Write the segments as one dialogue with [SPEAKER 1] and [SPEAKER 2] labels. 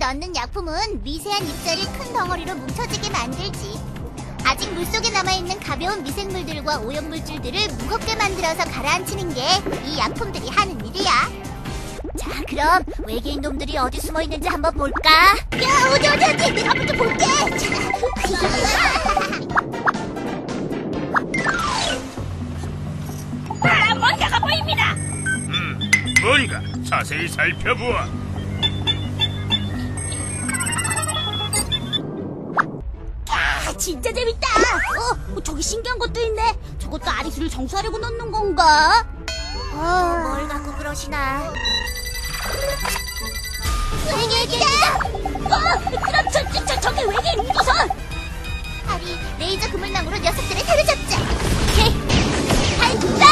[SPEAKER 1] 넣는 약품은 미세한 입자를 큰 덩어리로 뭉쳐지게 만들지. 아직 물속에 남아있는 가벼운 미생물들과 오염물질들을 무겁게 만들어서 가라앉히는 게 이 약품들이 하는 일이야. 자, 그럼 외계인 놈들이 어디 숨어있는지 한번 볼까? 야, 어디 내가 먼저 볼게.
[SPEAKER 2] 뭔가가 보입니다.
[SPEAKER 3] 뭔가 자세히 살펴보아.
[SPEAKER 2] 진짜 재밌다. 저기 신기한 것도 있네. 저것도 아리수를 정수하려고 넣는 건가?
[SPEAKER 1] 뭘 갖고 그러시나? 외계인이다!
[SPEAKER 2] 그럼 저기 외계인 우주선!
[SPEAKER 1] 아리, 레이저 그물망으로 녀석들을 사로잡자. 오케이, 간다!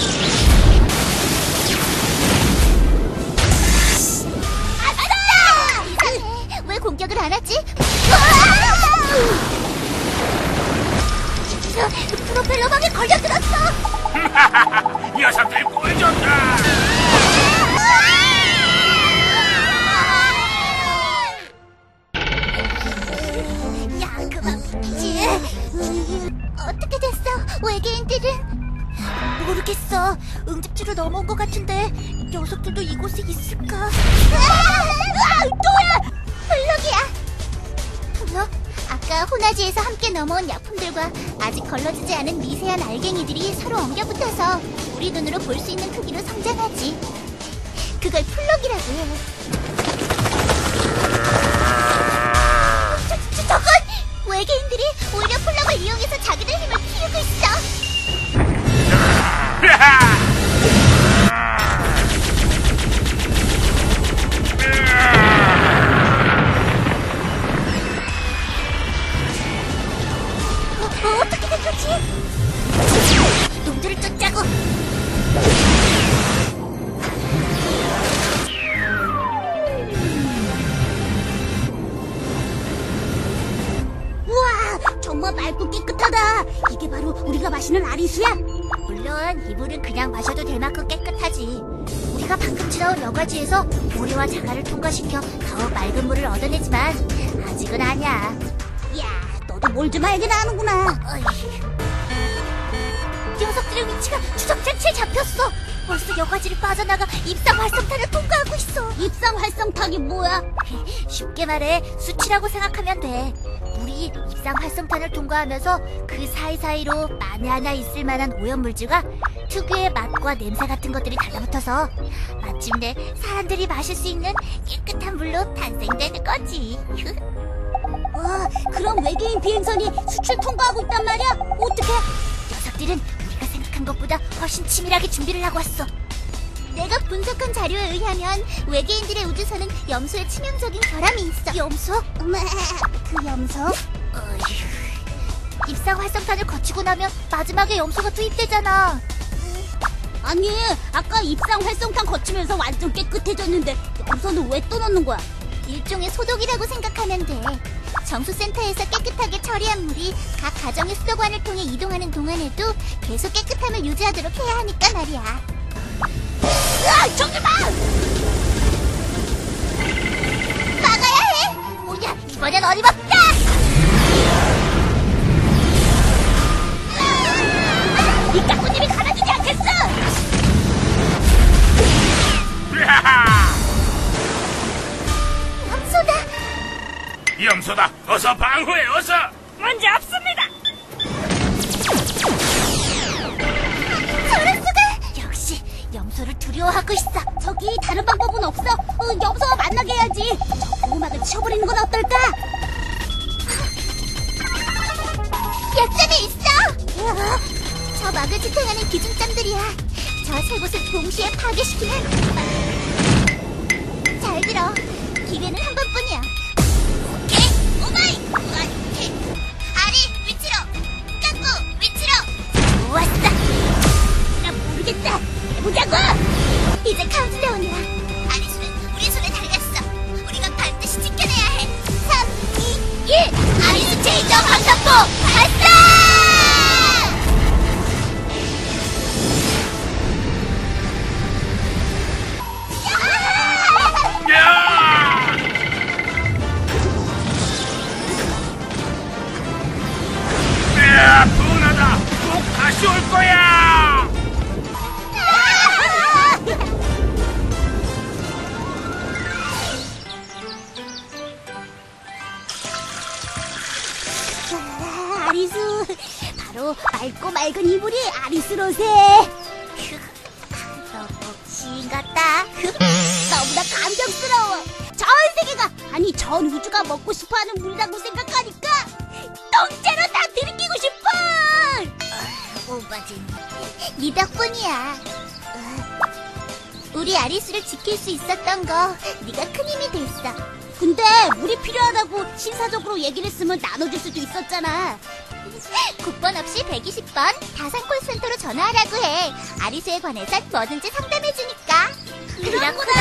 [SPEAKER 1] 아싸! 이상해, 왜 공격을 안 하지? 프로펠러망에 걸려들었어!
[SPEAKER 3] 녀석들 꼴졌다.
[SPEAKER 1] 야, 그만 붙이지. 어떻게 됐어, 외계인들은? 모르겠어. 응집지로 넘어온 것 같은데 녀석들도 이곳에 있을까? 또야! 블럭이야. 블럭? 아까 호나지에서 함께 넘어온 약품들과 아직 걸러지지 않은 미세한 알갱이들이 서로 엉겨붙어서 우리 눈으로 볼 수 있는 크기로 성장하지. 그걸 플럭이라고 해. 저건! 외계인들이 오히려 플럭을 이용해서 자기들 힘을 키우고 있어. 어떻게 된 거지? 놈들을 쫓자고.
[SPEAKER 2] 우와, 정말 맑고 깨끗하다. 이게 바로 우리가 마시는 아리수야?
[SPEAKER 1] 물론 이 물은 그냥 마셔도 될 만큼 깨끗하지. 우리가 방금 지나온 여과지에서 모래와 자갈을 통과시켜 더 맑은 물을 얻어내지만 아직은 아니야.
[SPEAKER 2] 야, 너도 뭘 좀 알긴 아는구나.
[SPEAKER 1] 녀석들의 위치가 추적장치에 잡혔어. 벌써 여과지를 빠져나가 입상 활성탄을 통과하고 있어.
[SPEAKER 2] 입상 활성탄이 뭐야?
[SPEAKER 1] 쉽게 말해 수치라고 생각하면 돼. 물이 입상 활성탄을 통과하면서 그 사이사이로 만에 하나 있을 만한 오염물질과 특유의 맛과 냄새 같은 것들이 달라붙어서 마침내 사람들이 마실 수 있는 깨끗한 물로 탄생되는 거지.
[SPEAKER 2] 와, 그럼 외계인 비행선이 수출 통과하고 있단 말이야? 어떡해?
[SPEAKER 1] 녀석들은 우리가 생각한 것보다 훨씬 치밀하게 준비를 하고 왔어. 내가 분석한 자료에 의하면 외계인들의 우주선은 염소에 치명적인 결함이 있어. 염소? 그 염소? 입상 활성탄을 거치고 나면 마지막에 염소가 투입되잖아.
[SPEAKER 2] 아니, 아까 입상 활성탄 거치면서 완전 깨끗해졌는데 염소는 왜 또 넣는 거야?
[SPEAKER 1] 일종의 소독이라고 생각하면 돼. 정수센터에서 깨끗하게 처리한 물이 각 가정의 수도관을 통해 이동하는 동안에도 계속 깨끗함을 유지하도록 해야 하니까 말이야.
[SPEAKER 2] 저기 봐!
[SPEAKER 1] 막아야 해! 뭐야, 이번엔 어림없다!
[SPEAKER 2] 이 까꾸님이 가라주지 않겠어!
[SPEAKER 1] 염소다!
[SPEAKER 3] 염소다. 어서 방어해. 어서.
[SPEAKER 2] 문제 없습니다!
[SPEAKER 1] 저럴 수가! 역시 염소를 두려워하고 있어.
[SPEAKER 2] 저기 다른 방법은 없어? 염소와 만나게 해야지. 저 보호막을 치워버리는 건 어떨까?
[SPEAKER 1] 약점이 있어! 저 막을 지탱하는 기준점들이야. 저 세 곳을 동시에 파괴시키면 잘 들어. 기회는 한 번뿐이야. 오케이! 오마이! 아리, 위치로! 깎고, 위치로!
[SPEAKER 2] 좋았어! 난 모르겠다. 해보자고!
[SPEAKER 1] 이제 카운트다운이야. 아리수는 우리 손에 달렸어. 우리가 반드시 지켜내야 해. 3, 2, 1! 아리수 체인저 방탄포 발사!
[SPEAKER 2] 맑고 맑은 이불이 아리스로세.
[SPEAKER 1] 너무 지인 같다.
[SPEAKER 2] 너무나 감격스러워. 전 세계가, 아니 전 우주가 먹고 싶어하는 물이라고 생각하니까 통째로 다 들이키고 싶어.
[SPEAKER 1] 오바진, 네 덕분이야. 우리 아리스를 지킬 수 있었던 거 네가 큰 힘이 됐어.
[SPEAKER 2] 근데 물이 필요하다고 신사적으로 얘기를 했으면 나눠줄 수도 있었잖아.
[SPEAKER 1] 국번 없이 120번 다산콜센터로 전화하라고 해. 아리스에 관해선 뭐든지 상담해주니까.
[SPEAKER 2] 그렇구나.